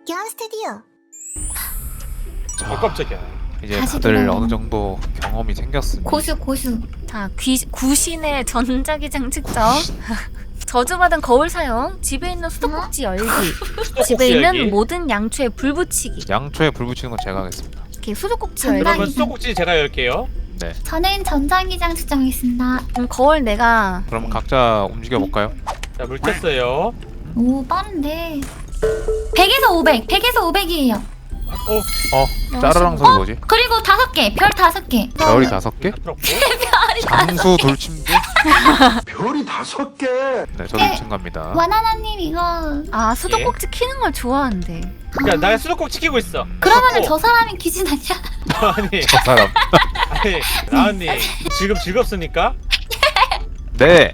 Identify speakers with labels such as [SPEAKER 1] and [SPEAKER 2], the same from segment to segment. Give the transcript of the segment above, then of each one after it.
[SPEAKER 1] 박현 스튜디오.
[SPEAKER 2] 깜짝이야.
[SPEAKER 3] 이제
[SPEAKER 4] 다시
[SPEAKER 3] 다들
[SPEAKER 4] 돌아오는.
[SPEAKER 3] 어느 정도 경험이 생겼습니다.
[SPEAKER 4] 고수.
[SPEAKER 5] 자, 구신의 전자기장 측정. 저주받은 거울 사용. 집에 있는 수도꼭지 열기. 집에 있는 모든 양초에 불 붙이기.
[SPEAKER 3] 양초에 불 붙이는 건 제가 하겠습니다.
[SPEAKER 5] 이렇게 수도꼭지
[SPEAKER 4] 전자기장.
[SPEAKER 5] 열기.
[SPEAKER 2] 그러면 수도꼭지 제가 열게요.
[SPEAKER 3] 네.
[SPEAKER 4] 저는 전자기장 측정하겠습니다.
[SPEAKER 5] 그럼 거울 내가
[SPEAKER 3] 그럼 각자 움직여 볼까요?
[SPEAKER 2] 자, 물 켰어요.
[SPEAKER 4] 오 빠른데. 100에서 500. 100에서 500이에요.
[SPEAKER 3] 짜르랑 소리 뭐지?
[SPEAKER 4] 그리고 5개. 별 5개.
[SPEAKER 3] 별이 5개?
[SPEAKER 2] 부럽고.
[SPEAKER 3] 장수 돌침대?
[SPEAKER 6] 별이 5개.
[SPEAKER 3] 네, 저도 2층 갑니다.
[SPEAKER 4] 와나나님 이거.
[SPEAKER 5] 아, 수도꼭지 키는 걸 좋아한대.
[SPEAKER 2] 야, 나 수도꼭지 키고 있어.
[SPEAKER 4] 그러면은 저 사람이 기진 아니야?
[SPEAKER 2] 아니,
[SPEAKER 3] 저 사람.
[SPEAKER 2] 아니, 나은님 지금 즐겁습니까?
[SPEAKER 3] 네.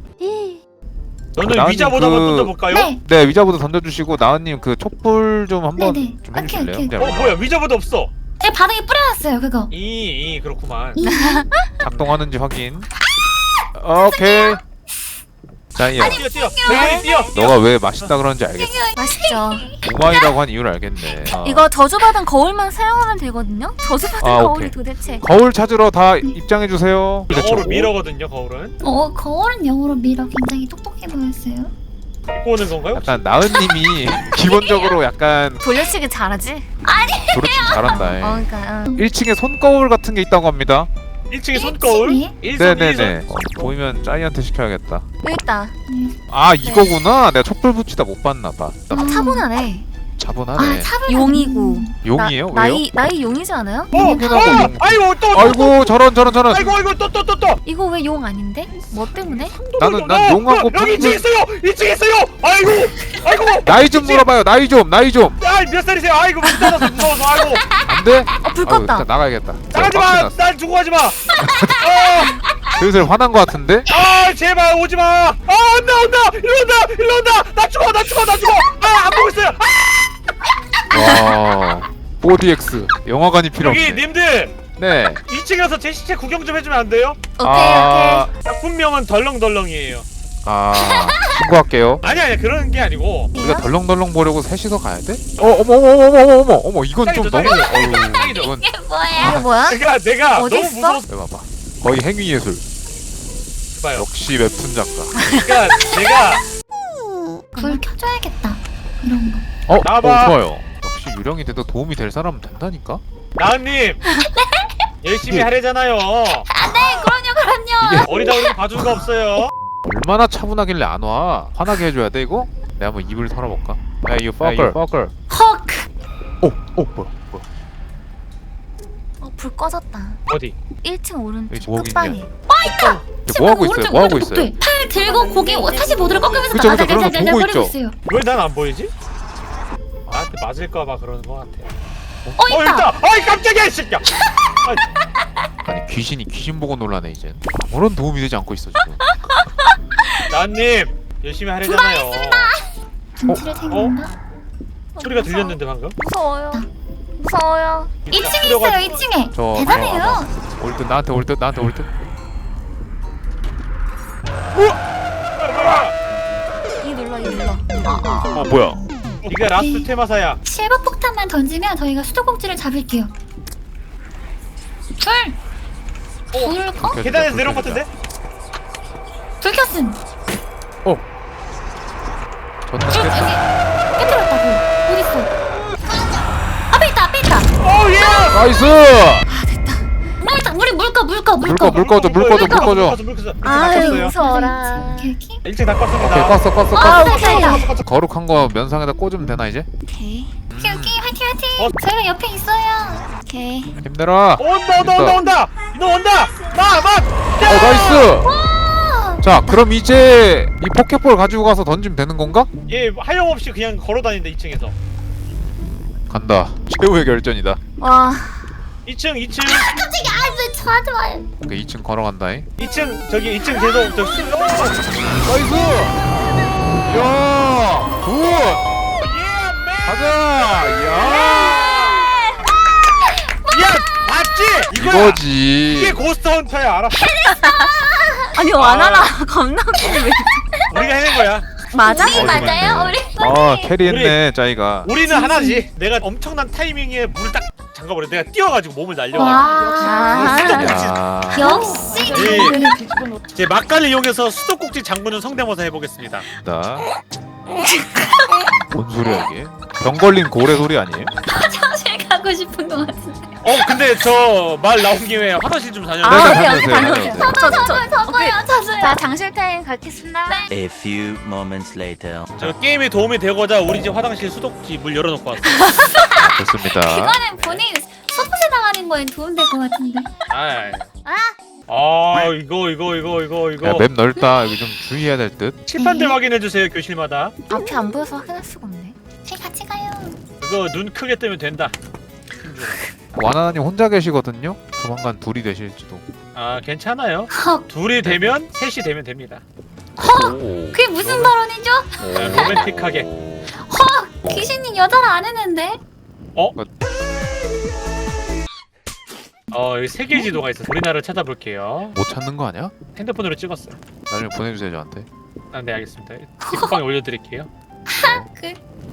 [SPEAKER 2] 너는
[SPEAKER 3] 나은님
[SPEAKER 2] 위자보다 한번 던져볼까요?
[SPEAKER 4] 네.
[SPEAKER 3] 네, 위자보다 던져주시고 나은님 그 촛불 좀 한번
[SPEAKER 4] 네네.
[SPEAKER 3] 좀
[SPEAKER 4] 오케이,
[SPEAKER 3] 해주실래요?
[SPEAKER 4] 오케이.
[SPEAKER 3] 네,
[SPEAKER 2] 뭐야, 위자보다 없어.
[SPEAKER 4] 제가 바닥에 뿌려놨어요 그거.
[SPEAKER 2] 그렇구만.
[SPEAKER 3] 작동하는지 확인. 오케이. 자이야,
[SPEAKER 2] 뛰어. 뛰어.
[SPEAKER 3] 너가 왜 맛있다 그러는지 알겠어.
[SPEAKER 5] 맛있죠.
[SPEAKER 3] 우마이라고 한 이유를 알겠네.
[SPEAKER 5] 이거 저주받은 거울만 사용하면 되거든요? 저주받은
[SPEAKER 3] 아,
[SPEAKER 5] 거울이
[SPEAKER 3] 오케이.
[SPEAKER 5] 도대체.
[SPEAKER 3] 거울 찾으러 다 입장해 주세요.
[SPEAKER 2] 영어로 미러거든요, 거울은.
[SPEAKER 4] 거울은 영어로 밀어 굉장히 똑똑해 보였어요.
[SPEAKER 2] 입고 오는 건가요?
[SPEAKER 3] 약간 나은님이 기본적으로 약간
[SPEAKER 5] 돌려치기 잘하지?
[SPEAKER 3] 도르침 잘한다.
[SPEAKER 5] 그러니까
[SPEAKER 3] 1층에 손거울 같은 게 있다고 합니다.
[SPEAKER 2] 1층에 손거울.
[SPEAKER 4] 1층에?
[SPEAKER 3] 네네네. 보이면 짜이한테 시켜야겠다.
[SPEAKER 5] 여기 있다.
[SPEAKER 3] 아 이거구나. 내가 촛불 붙이다 못 봤나 봐.
[SPEAKER 5] 차분하네.
[SPEAKER 3] 차분하네.
[SPEAKER 4] 차분.
[SPEAKER 5] 용이고.
[SPEAKER 3] 용이에요? 왜요?
[SPEAKER 5] 나이 용이지 않아요?
[SPEAKER 2] 아이고 또.
[SPEAKER 3] 아이고 저런.
[SPEAKER 2] 아이고 또.
[SPEAKER 5] 이거 왜 용 아닌데? 뭐 때문에?
[SPEAKER 3] 난 용하고
[SPEAKER 2] 여기 2층
[SPEAKER 3] 평균
[SPEAKER 2] 있어요. 2층 있어요. 아이고.
[SPEAKER 3] 나이 좀 물어봐요. 나이 좀.
[SPEAKER 2] 몇 살이세요? 아이고 못 살아서 무서워서. 아이고.
[SPEAKER 3] 안 돼?
[SPEAKER 5] 불
[SPEAKER 3] 아유,
[SPEAKER 5] 껐다.
[SPEAKER 3] 일단 나가야겠다.
[SPEAKER 2] 나가지
[SPEAKER 3] 빡치
[SPEAKER 2] 마.
[SPEAKER 3] 났어.
[SPEAKER 2] 날 두고 가지 마.
[SPEAKER 3] 슬슬 화난 거 같은데?
[SPEAKER 2] 제발 오지 마. 온다. 일로 온다. 나 죽어. 안 보고 있어요.
[SPEAKER 3] 와 4DX 영화관이 필요
[SPEAKER 2] 여기
[SPEAKER 3] 없네.
[SPEAKER 2] 님들
[SPEAKER 3] 네.
[SPEAKER 2] 2층에 가서 제 시체 구경 좀 해주면 안 돼요?
[SPEAKER 5] 오케이.
[SPEAKER 2] 작품명은 덜렁덜렁이에요.
[SPEAKER 3] 신고할게요.
[SPEAKER 2] 아니야 그런 게 아니고.
[SPEAKER 3] 우리가 덜렁덜렁 보려고 셋이서 가야 돼? 어머 이건 좀 너무
[SPEAKER 2] 짱이죠.
[SPEAKER 3] 이건
[SPEAKER 4] 뭐야?
[SPEAKER 5] 이거 뭐야?
[SPEAKER 2] 내가
[SPEAKER 5] 어디
[SPEAKER 2] 너무
[SPEAKER 5] 있어?
[SPEAKER 2] 무서워서
[SPEAKER 3] 왜 봐봐. 거의 행위예술.
[SPEAKER 2] 봐요.
[SPEAKER 3] 역시 웹툰 작가.
[SPEAKER 2] 그러니까 내가
[SPEAKER 4] 불 켜줘야겠다. 이런 거.
[SPEAKER 2] 나와봐.
[SPEAKER 3] 좋아요. 역시 유령이 돼도 도움이 될 사람은 된다니까?
[SPEAKER 2] 나은님 열심히
[SPEAKER 3] 이게-
[SPEAKER 2] 하래잖아요.
[SPEAKER 4] 그럼요.
[SPEAKER 2] 어리다 어리다 봐준 거 없어요.
[SPEAKER 3] 얼마나 차분하길래 안 와? 화나게 해줘야 돼 이거? 내가 한번 입을 털어볼까? 야 you fucker.
[SPEAKER 4] 헉.
[SPEAKER 3] 뭐야?
[SPEAKER 5] 불 꺼졌다.
[SPEAKER 2] 어디?
[SPEAKER 5] 1층 오른쪽
[SPEAKER 3] 여기 뭐
[SPEAKER 5] 끝방에.
[SPEAKER 3] 이게 뭐 하고 있어요? 뭐 하고 있어요?
[SPEAKER 4] 팔 들고 고개 45도를 꺾으면서
[SPEAKER 3] 그쵸, 그런 거 보고
[SPEAKER 4] 거리고
[SPEAKER 3] 있죠.
[SPEAKER 4] 있어요.
[SPEAKER 2] 왜 난 안 보이지? 나한테 맞을까봐 그러는 거 같아.
[SPEAKER 4] 있다.
[SPEAKER 2] 어이 깜짝이야 이 새끼야.
[SPEAKER 3] 아니 귀신 보고 놀라네 이젠. 아무런 도움이 되지 않고 있어 지금.
[SPEAKER 2] 나은님 열심히 하래잖아요.
[SPEAKER 4] 김치를 챙긴다.
[SPEAKER 2] 소리가 들렸는데 방금?
[SPEAKER 5] 무서워요.
[SPEAKER 4] 2층에 있어요. 2층에.
[SPEAKER 3] 저
[SPEAKER 4] 대단해요.
[SPEAKER 3] 올 듯 나한테 올 듯.
[SPEAKER 5] 이 눌러.
[SPEAKER 3] 뭐야?
[SPEAKER 2] 네가 라스트 테마사야.
[SPEAKER 4] 실버 폭탄만 던지면 저희가 수도꼭지를 잡을게요. 불 꺼?
[SPEAKER 2] 계단에서 내려온 것 같은데?
[SPEAKER 4] 불 켰음.
[SPEAKER 3] 존나
[SPEAKER 4] 불
[SPEAKER 3] 깼다.
[SPEAKER 4] 여기 깨뜨렸다고. 어딨어? 앞에 있다.
[SPEAKER 2] 예!
[SPEAKER 3] 나이스!
[SPEAKER 4] 우리 물 꺼.
[SPEAKER 3] 물 꺼줘.
[SPEAKER 5] 아유, 무서워라.
[SPEAKER 4] 여기.
[SPEAKER 2] 1층 다 껐습니다.
[SPEAKER 3] 오케이 껐어.
[SPEAKER 5] 아, 오케이.
[SPEAKER 3] 거룩한 거 면상에다 꽂으면 되나 이제?
[SPEAKER 5] 오케이.
[SPEAKER 4] 화이팅.
[SPEAKER 2] 어?
[SPEAKER 4] 저희가 옆에 있어요.
[SPEAKER 5] 오케이.
[SPEAKER 3] 힘내라.
[SPEAKER 2] 온다. 너 온다. 막.
[SPEAKER 3] 나이스. 자 그럼 이제 이 포켓볼 가지고 가서 던지면 되는 건가?
[SPEAKER 2] 얘 하염없이 그냥 걸어다닌다 2층에서.
[SPEAKER 3] 간다. 최후의 결전이다.
[SPEAKER 5] 와.
[SPEAKER 2] 2층.
[SPEAKER 4] 깜짝이야. 왜 저한테 와요?
[SPEAKER 3] 오케이 2층 걸어간다잉.
[SPEAKER 2] 2층 저기 2층 계속
[SPEAKER 3] 나이스. 야 굿. 가자.
[SPEAKER 2] 야 맞지?
[SPEAKER 3] 이거지.
[SPEAKER 2] 이게 고스트 헌터야 알아?
[SPEAKER 5] 아니, 와나나 겁나 웃기네.
[SPEAKER 2] 우리가 해낸 거야.
[SPEAKER 5] 맞아?
[SPEAKER 4] 우리 맞아요? 우리
[SPEAKER 3] 아 캐리했네 짜이가.
[SPEAKER 2] 우리는 하나지. 내가 엄청난 타이밍에 물을 딱 잠가버려. 내가 뛰어가지고 몸을 날려가.
[SPEAKER 5] 아.
[SPEAKER 3] 야.
[SPEAKER 4] 역시
[SPEAKER 2] 이제 막간을 이용해서 수도꼭지 장군은 성대모사 해보겠습니다.
[SPEAKER 3] 나. 뭔 소리야 이게? 병 걸린 고래 소리 아니에요?
[SPEAKER 4] 화장실 가고 싶은 것 같은데.
[SPEAKER 2] 근데 저 말 나온 김에 화장실 좀 다녀.
[SPEAKER 5] 아,
[SPEAKER 3] 네,
[SPEAKER 5] 오케이,
[SPEAKER 3] 다녀오세요,
[SPEAKER 5] 다녀오세요.
[SPEAKER 3] 다녀오세요.
[SPEAKER 4] 저도요.
[SPEAKER 5] 자, 장실 타임 갖겠습니다.
[SPEAKER 1] A few moments later.
[SPEAKER 2] 저 게임에 도움이 되고자 우리 집 화장실 수도꼭지 물 열어놓고 왔어.
[SPEAKER 3] 좋습니다.
[SPEAKER 4] 그거는 본인 소프트 나가는 거에 도움될 것 같은데.
[SPEAKER 2] 이거.
[SPEAKER 3] 야맵 넓다. 여기 좀 주의해야 될 듯.
[SPEAKER 2] 칠판들 확인해 주세요 교실마다.
[SPEAKER 5] 앞이 안 보여서 확인할 수가 없네.
[SPEAKER 4] 저희 같이 가요.
[SPEAKER 2] 그거 눈 크게 뜨면 된다.
[SPEAKER 3] 와나나님 혼자 계시거든요. 조만간 둘이 되실지도.
[SPEAKER 2] 아 괜찮아요.
[SPEAKER 4] 헉,
[SPEAKER 2] 둘이 되면 셋이 되면 됩니다.
[SPEAKER 4] 그게 무슨 발언이죠?
[SPEAKER 2] 네, 로맨틱하게.
[SPEAKER 4] 귀신님 여자를 안 했는데.
[SPEAKER 2] 여기 세계 지도가 있어. 우리나라를 찾아볼게요.
[SPEAKER 3] 못 찾는 거 아니야?
[SPEAKER 2] 핸드폰으로 찍었어요.
[SPEAKER 3] 나중에 보내주세요 저한테.
[SPEAKER 2] 아, 네 알겠습니다. 뒷방에 올려드릴게요.
[SPEAKER 4] 그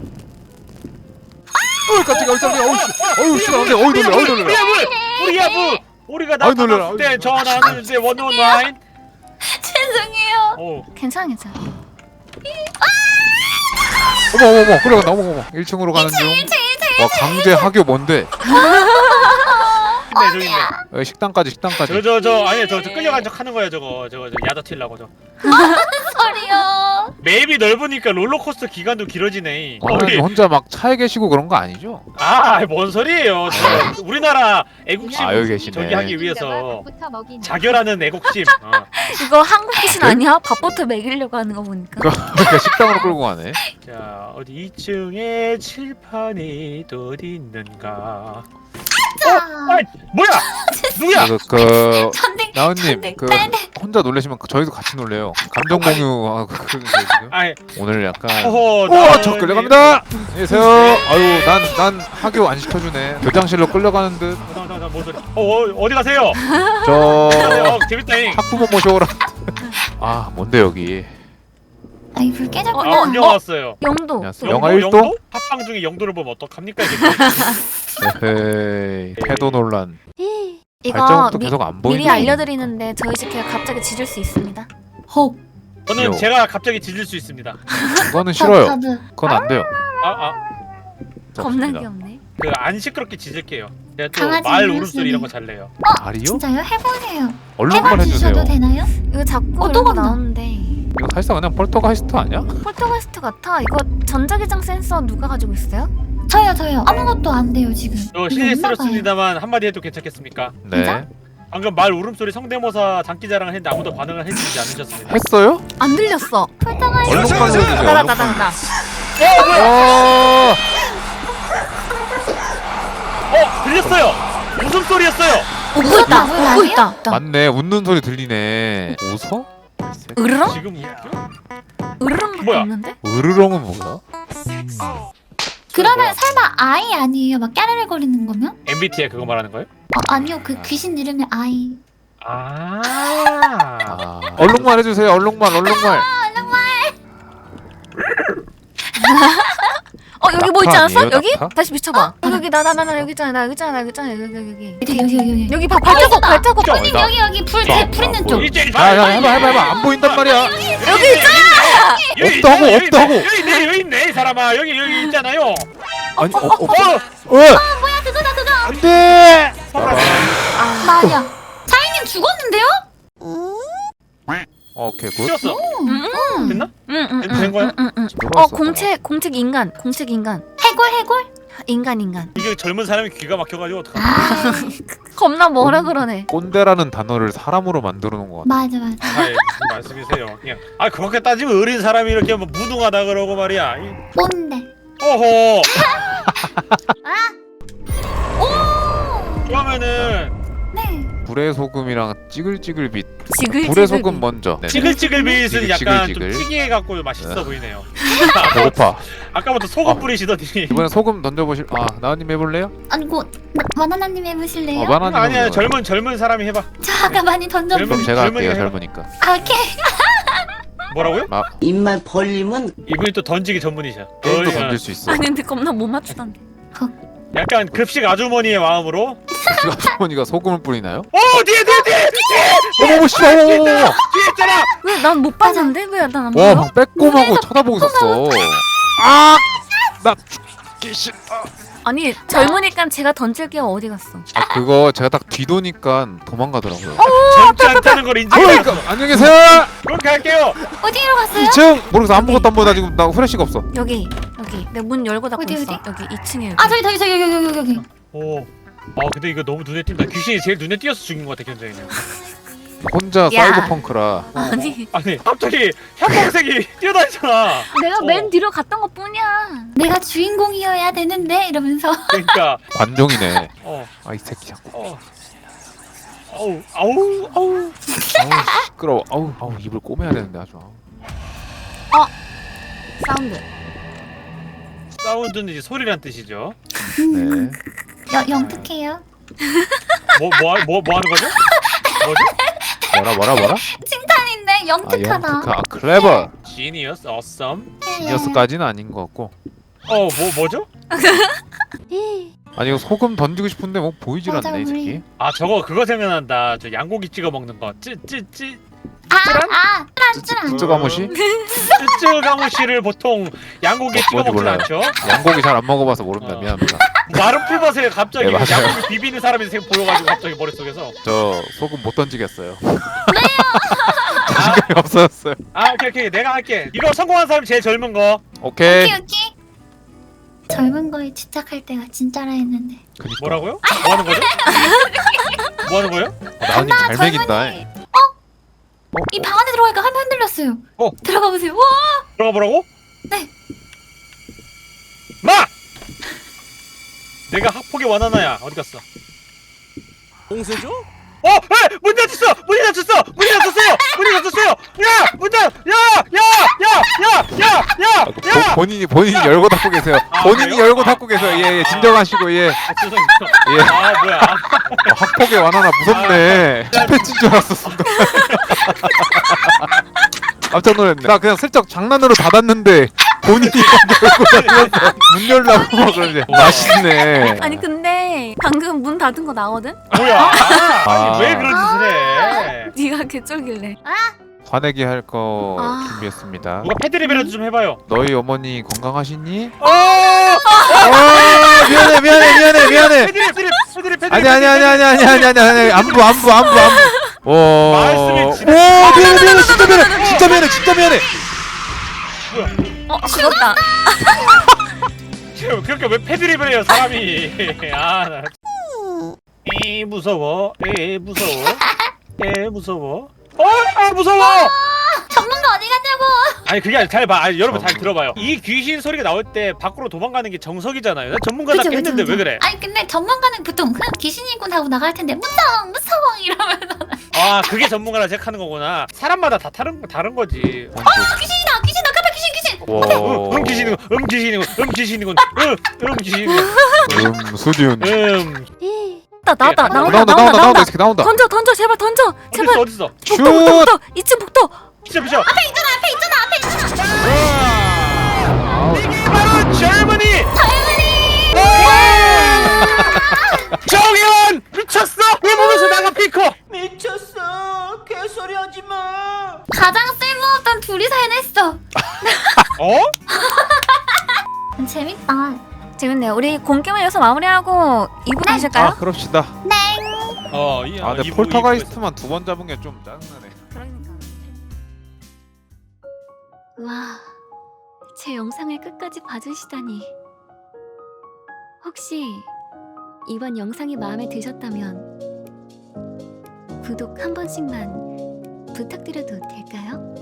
[SPEAKER 3] 깜짝이야 깜짝이야. 어우 씨 안돼. 어우 놀래. 어우 놀래.
[SPEAKER 2] 우리야 뭐 우리가
[SPEAKER 3] 아이, 놀래라.
[SPEAKER 2] 나타났을 때 전화하는데 119.
[SPEAKER 4] 죄송해요.
[SPEAKER 5] 괜찮아, 괜찮아.
[SPEAKER 3] 어머 끌려간다. 어머 1층으로 가는 중. 와 강제 하교 뭔데?
[SPEAKER 2] 저기 있네.
[SPEAKER 3] 여기 식당까지.
[SPEAKER 2] 아니야 저 끌려간 척 하는 거야 저거 야자 튀려고 저.
[SPEAKER 4] 소리요.
[SPEAKER 2] 맵이 넓으니까 롤러코스터 기간도 길어지네.
[SPEAKER 3] 와나나님 혼자 막 차에 계시고 그런 거 아니죠?
[SPEAKER 2] 뭔 소리예요? 저 우리나라 애국심
[SPEAKER 3] 여기 계시네.
[SPEAKER 2] 저기 하기 위해서 자결하는 애국심.
[SPEAKER 5] 이거 한국 귀신 아니야? 밥부터 먹이려고 하는 거 보니까.
[SPEAKER 3] 그러니까 식당으로 끌고 가네.
[SPEAKER 2] 자 어디 2층에 칠판이 어디 있는가? 뭐야? 누구야?
[SPEAKER 3] 그
[SPEAKER 4] 전등.
[SPEAKER 3] 나은님 그 혼자 놀라시면 저희도 같이 놀래요. 감정 공유하고 그러세요 지금.
[SPEAKER 2] 아이
[SPEAKER 3] 오늘 약간 저
[SPEAKER 2] 나은님.
[SPEAKER 3] 끌려갑니다. 안녕하세요. 아유 난 학교 안 시켜주네. 교장실로 끌려가는 듯.
[SPEAKER 2] 잠깐만 뭔 소리? 어디 가세요?
[SPEAKER 3] 저
[SPEAKER 2] 재밌다잉.
[SPEAKER 3] 학부모 모셔오라. 아 뭔데 여기?
[SPEAKER 4] 아이 불 깨졌구나.
[SPEAKER 2] 안녕 왔어요.
[SPEAKER 5] 영도.
[SPEAKER 3] 안녕하세요. 영화 1도?
[SPEAKER 2] 영도? 팟빵 중에 영도를 보면 어떡합니까 이게?
[SPEAKER 3] 에헤이 패도 논란.
[SPEAKER 5] 이거
[SPEAKER 3] 발자국도 계속 안 보이네.
[SPEAKER 5] 미리 알려드리는데 저희 집 그냥 갑자기 짖을 수 있습니다.
[SPEAKER 4] 헉.
[SPEAKER 2] 저는
[SPEAKER 3] 요.
[SPEAKER 2] 제가 갑자기 짖을 수 있습니다.
[SPEAKER 3] 그거는 싫어요.
[SPEAKER 4] 저도.
[SPEAKER 3] 그건 안 돼요.
[SPEAKER 5] 겁나
[SPEAKER 3] 없습니다.
[SPEAKER 5] 귀엽네.
[SPEAKER 2] 그 안 시끄럽게 짖을게요. 제가 또
[SPEAKER 4] 강아지
[SPEAKER 2] 말
[SPEAKER 4] 울음소리.
[SPEAKER 2] 울음소리 이런 거 잘 내요.
[SPEAKER 3] 말이요?
[SPEAKER 4] 진짜요? 해보세요.
[SPEAKER 3] 얼른 한번 해주세요.
[SPEAKER 4] 해봐주셔도 되나요?
[SPEAKER 5] 이거 자꾸
[SPEAKER 4] 또
[SPEAKER 5] 이런 거
[SPEAKER 4] 간다.
[SPEAKER 5] 나오는데
[SPEAKER 3] 이거 사실상 그냥 폴터가이스트 아니야?
[SPEAKER 5] 폴터가스트 같아. 이거 전자기장 센서 누가 가지고 있어요?
[SPEAKER 4] 저요. 아무것도 안 돼요 지금.
[SPEAKER 2] 저 실례스럽습니다만 한마디 해도 괜찮겠습니까?
[SPEAKER 3] 네.
[SPEAKER 4] 진짜?
[SPEAKER 2] 방금 말 울음소리 성대모사 장기자랑을 했는데 아무도 반응을 해주지 않으셨습니다.
[SPEAKER 3] 했어요?
[SPEAKER 5] 안 들렸어.
[SPEAKER 4] 폴터가
[SPEAKER 3] 얼른만 해주세요.
[SPEAKER 5] 나다.
[SPEAKER 2] 들렸어요! 웃음소리였어요!
[SPEAKER 5] 웃고 있다.
[SPEAKER 4] 뭐야,
[SPEAKER 5] 웃고 있다.
[SPEAKER 3] 맞네. 웃는 소리 들리네. 웃어?
[SPEAKER 5] 으르렁?
[SPEAKER 2] 지금 웃겨?
[SPEAKER 5] 으르렁밖에
[SPEAKER 2] 뭐야?
[SPEAKER 5] 없는데?
[SPEAKER 3] 으르렁은 뭐야?
[SPEAKER 4] 그러면 설마 아이 아니에요? 막 까르르 거리는 거면?
[SPEAKER 2] MBTI 그거 말하는 거예요?
[SPEAKER 4] 아니요 그 귀신 이름이 아이.
[SPEAKER 3] 얼룩말 해주세요. 얼룩말.
[SPEAKER 5] 여기 뭐 있지
[SPEAKER 3] 낙타
[SPEAKER 5] 않았어?
[SPEAKER 3] 아니에요,
[SPEAKER 5] 여기?
[SPEAKER 3] 낙타?
[SPEAKER 5] 다시 비춰봐. 여기 나 여기 있잖아. 여기.
[SPEAKER 4] 여기.
[SPEAKER 5] 여기 발자국.
[SPEAKER 4] 손님 여기 불 있는 쪽.
[SPEAKER 3] 야, 해봐. 안 보인단 말이야.
[SPEAKER 5] 여기 있잖아.
[SPEAKER 3] 없다고.
[SPEAKER 2] 여기 있네 이 사람아. 여기 있잖아요.
[SPEAKER 3] 아니,
[SPEAKER 4] 뭐야 그거다.
[SPEAKER 3] 안 돼!
[SPEAKER 4] 맞아. 사인님 죽었는데요?
[SPEAKER 3] 오케이, 굿.
[SPEAKER 2] 튀었어. 됐나?
[SPEAKER 5] 응.
[SPEAKER 2] 된 거야?
[SPEAKER 3] 들어왔어.
[SPEAKER 5] 공책 인간.
[SPEAKER 4] 해골.
[SPEAKER 5] 인간.
[SPEAKER 2] 이게 젊은 사람이 귀가 막혀가지고 어떡하나.
[SPEAKER 4] 아
[SPEAKER 5] 겁나 뭐라 그러네.
[SPEAKER 3] 꼰대라는 단어를 사람으로 만들어 놓은 것 같아.
[SPEAKER 4] 맞아.
[SPEAKER 2] 무슨 말씀이세요? 그냥 그렇게 따지면 어린 사람이 이렇게 뭐 무능하다 그러고 말이야.
[SPEAKER 4] 뭔데?
[SPEAKER 2] 어허.
[SPEAKER 4] 오.
[SPEAKER 2] 그러면은
[SPEAKER 4] 네.
[SPEAKER 3] 불의 소금이랑 찌글찌글빛.
[SPEAKER 5] 지글.
[SPEAKER 3] 불의 소금 먼저. 네네.
[SPEAKER 2] 찌글찌글빛은 약간 좀
[SPEAKER 3] 찌글찌글.
[SPEAKER 2] 찌개해갖고 맛있어 보이네요.
[SPEAKER 3] 배고파.
[SPEAKER 2] 아까부터 소금 뿌리시더니.
[SPEAKER 3] 이번엔 소금 던져보실. 나은님 해볼래요?
[SPEAKER 4] 아니고 바나나님 해보실래요?
[SPEAKER 3] 바나님.
[SPEAKER 2] 아니야 젊은 사람이 해봐.
[SPEAKER 4] 저 아까 많이 던졌는데.
[SPEAKER 3] 그럼 제가
[SPEAKER 2] 젊은이가
[SPEAKER 3] 할게요.
[SPEAKER 2] 해봐.
[SPEAKER 3] 젊으니까.
[SPEAKER 4] 오케이.
[SPEAKER 2] 뭐라고요?
[SPEAKER 6] 입만 벌리면
[SPEAKER 2] 이분이 또 던지기 전문이셔.
[SPEAKER 3] 게임도 던질 수 있어.
[SPEAKER 5] 아니 근데 겁나 못 맞추던데.
[SPEAKER 2] 약간 급식 아주머니의 마음으로.
[SPEAKER 3] 아주머니가 소금을 뿌리나요?
[SPEAKER 2] 뒤에
[SPEAKER 3] 어머 씨발.
[SPEAKER 2] 뒤에 있잖아.
[SPEAKER 5] 왜 난 못 봤는데? 왜 난 안
[SPEAKER 3] 와,
[SPEAKER 5] 보여?
[SPEAKER 3] 막 빼꼼하고 쳐다보고 있었어. 나 죽기 싫어.
[SPEAKER 5] 아니 젊으니까 제가 던질게요. 어디 갔어?
[SPEAKER 3] 아, 그거 제가 딱 뒤도니까 도망가더라고요.
[SPEAKER 2] 젊지 않다는 걸 인정해.
[SPEAKER 3] 그러니까 안녕히 계세요.
[SPEAKER 2] 그럼 갈게요.
[SPEAKER 4] 어디로 갔어요?
[SPEAKER 3] 2층 모르겠어. 아무것도 안 보여. 나 지금 나 후레쉬가 없어.
[SPEAKER 5] 여기 내가 문 열고 닫고
[SPEAKER 4] 어디,
[SPEAKER 5] 있어.
[SPEAKER 4] 어디?
[SPEAKER 5] 여기 2층에.
[SPEAKER 4] 아 저기 여기.
[SPEAKER 2] 오. 근데 이거 너무 눈에 띈다. 귀신이 제일 눈에 띄어서 죽인 것 같아 견자이는.
[SPEAKER 3] 혼자
[SPEAKER 5] 야.
[SPEAKER 3] 사이버펑크라.
[SPEAKER 5] 아니
[SPEAKER 2] 아니 갑자기 형광색이 뛰어다니잖아.
[SPEAKER 5] 내가 맨 뒤로 갔던 것 뿐이야.
[SPEAKER 4] 내가 주인공이어야 되는데 이러면서.
[SPEAKER 2] 그러니까.
[SPEAKER 3] 관종이네.
[SPEAKER 2] 어.
[SPEAKER 3] 아, 이 새끼 자꾸.
[SPEAKER 2] 아우.
[SPEAKER 3] 아우 시끄러워. 아우 입을 꼬매야 되는데 아주.
[SPEAKER 5] 사운드.
[SPEAKER 2] 사운드는 이제 소리란 뜻이죠.
[SPEAKER 3] 네.
[SPEAKER 4] 영특해요.
[SPEAKER 2] 뭐 하는 거죠? 뭐죠?
[SPEAKER 3] 뭐라?
[SPEAKER 4] 칭찬인데
[SPEAKER 3] 아,
[SPEAKER 4] 영특하다.
[SPEAKER 3] 영특하. 클레버.
[SPEAKER 2] Genius, awesome.
[SPEAKER 3] 지니어스까지는 아닌 것 같고.
[SPEAKER 2] 뭐죠?
[SPEAKER 3] 아니 이거 소금 던지고 싶은데 뭐 보이질
[SPEAKER 4] 맞아,
[SPEAKER 3] 않네 이
[SPEAKER 4] 우리.
[SPEAKER 3] 새끼.
[SPEAKER 2] 저거 그거 생각난다. 저 양고기 찍어 먹는 거. 찌찌찌.
[SPEAKER 3] 쯔가무시?
[SPEAKER 2] 찌찌가무시를 보통 양고기에 찍어
[SPEAKER 3] 뭔지
[SPEAKER 2] 먹진
[SPEAKER 3] 몰라요.
[SPEAKER 2] 않죠?
[SPEAKER 3] 양고기 잘 안 먹어봐서 모릅니다.
[SPEAKER 2] 어.
[SPEAKER 3] 미안합니다.
[SPEAKER 2] 마른 풀밭에 갑자기
[SPEAKER 3] 네, 맞아요.
[SPEAKER 2] 양고기 비비는 사람이 보여가지고 갑자기 머릿속에서.
[SPEAKER 3] 저 소금 못 던지겠어요. 자신감이 없어졌어요.
[SPEAKER 2] 오케이. 내가 할게. 이거 성공한 사람이 제일 젊은 거.
[SPEAKER 3] 오케이.
[SPEAKER 4] 오케이. 젊은 거에 집착할 때가 진짜라 했는데.
[SPEAKER 3] 그니까.
[SPEAKER 2] 뭐라고요? 뭐 하는 거죠? 뭐 하는 거예요?
[SPEAKER 3] 나은님 잘 먹인다.
[SPEAKER 4] 이 방 안에 들어가니까 화면 흔들렸어요. 들어가 보세요. 와!
[SPEAKER 2] 들어가 보라고?
[SPEAKER 4] 네.
[SPEAKER 2] 마! 내가 학폭의 원하나야. 어디 갔어?
[SPEAKER 6] 봉쇄죠?
[SPEAKER 2] 문 닫혔어! 문이 닫혔어요! 야! 문 닫! 야!
[SPEAKER 3] 본인이 열고 닫고 계세요. 본인이
[SPEAKER 2] 그래요?
[SPEAKER 3] 열고 닫고 계세요. 예, 진정하시고 예.
[SPEAKER 2] 죄송해요.
[SPEAKER 3] 예.
[SPEAKER 2] 뭐야.
[SPEAKER 3] 학폭의 완화나 무섭네. 집회친 줄 알았어 순간. 깜짝 놀랐네. 나 그냥 슬쩍 장난으로 닫았는데 본인이 열고 닫으면서 문 열라고 막 그러지. 맛있네.
[SPEAKER 5] 아니 근데 방금 문 닫은 거 나거든?
[SPEAKER 2] 뭐야?
[SPEAKER 3] 아.
[SPEAKER 2] 왜 그런 짓을 해?
[SPEAKER 5] 네가 개쩔길래.
[SPEAKER 3] 화내기 할 거
[SPEAKER 5] 아.
[SPEAKER 3] 준비했습니다.
[SPEAKER 2] 누가 패드립이라도 좀 해봐요.
[SPEAKER 3] 너희 어머니 건강하시니? 미안해.
[SPEAKER 2] 패드립.
[SPEAKER 3] 아니 안부.
[SPEAKER 2] 말씀이
[SPEAKER 3] 미안해 진짜 미안해.
[SPEAKER 5] 죽었다.
[SPEAKER 2] 그렇게 왜 패드립을 해요 사람이? 무서워. 무서워.
[SPEAKER 4] 전문가 어디 갔냐고.
[SPEAKER 2] 아니 그게 아니라 잘 봐. 여러분 잘 들어봐요. 이 귀신 소리가 나올 때 밖으로 도망가는 게 정석이잖아요. 나 전문가답게 했는데 왜 그래?
[SPEAKER 4] 아니 근데 전문가는 보통 그냥 귀신이군 하고 나갈 텐데 무서워 이러면서.
[SPEAKER 2] 그게 전문가라 생각하는 거구나. 사람마다 다 다른 거지.
[SPEAKER 4] 귀신이다 깜빡 귀신.
[SPEAKER 2] 귀신이군.
[SPEAKER 3] 수준.
[SPEAKER 5] 나온다.
[SPEAKER 3] 이렇게 나온다.
[SPEAKER 5] 던져 제발 던져. 제발.
[SPEAKER 2] 어딨어?
[SPEAKER 3] 슛.
[SPEAKER 5] 복도 2층 복도.
[SPEAKER 2] 비켜.
[SPEAKER 4] 앞에 있잖아.
[SPEAKER 2] 이게 바로 젊은이. 정현 미쳤어. 내 몸에서 나가 피커.
[SPEAKER 6] 미쳤어. 개소리 하지 마.
[SPEAKER 4] 가장 쓸모없던 둘이서 해냈어. 재밌다.
[SPEAKER 5] 재밌네요. 우리 공개만 여기서 마무리하고 2부 가실까요?
[SPEAKER 3] 그럽시다. 근데
[SPEAKER 2] 이부
[SPEAKER 3] 폴터가이스트만 2번 잡은 게 좀 짜증나네.
[SPEAKER 5] 그러니까. 와, 제 영상을 끝까지 봐주시다니. 혹시 이번 영상이 마음에 드셨다면 구독 한 번씩만 부탁드려도 될까요?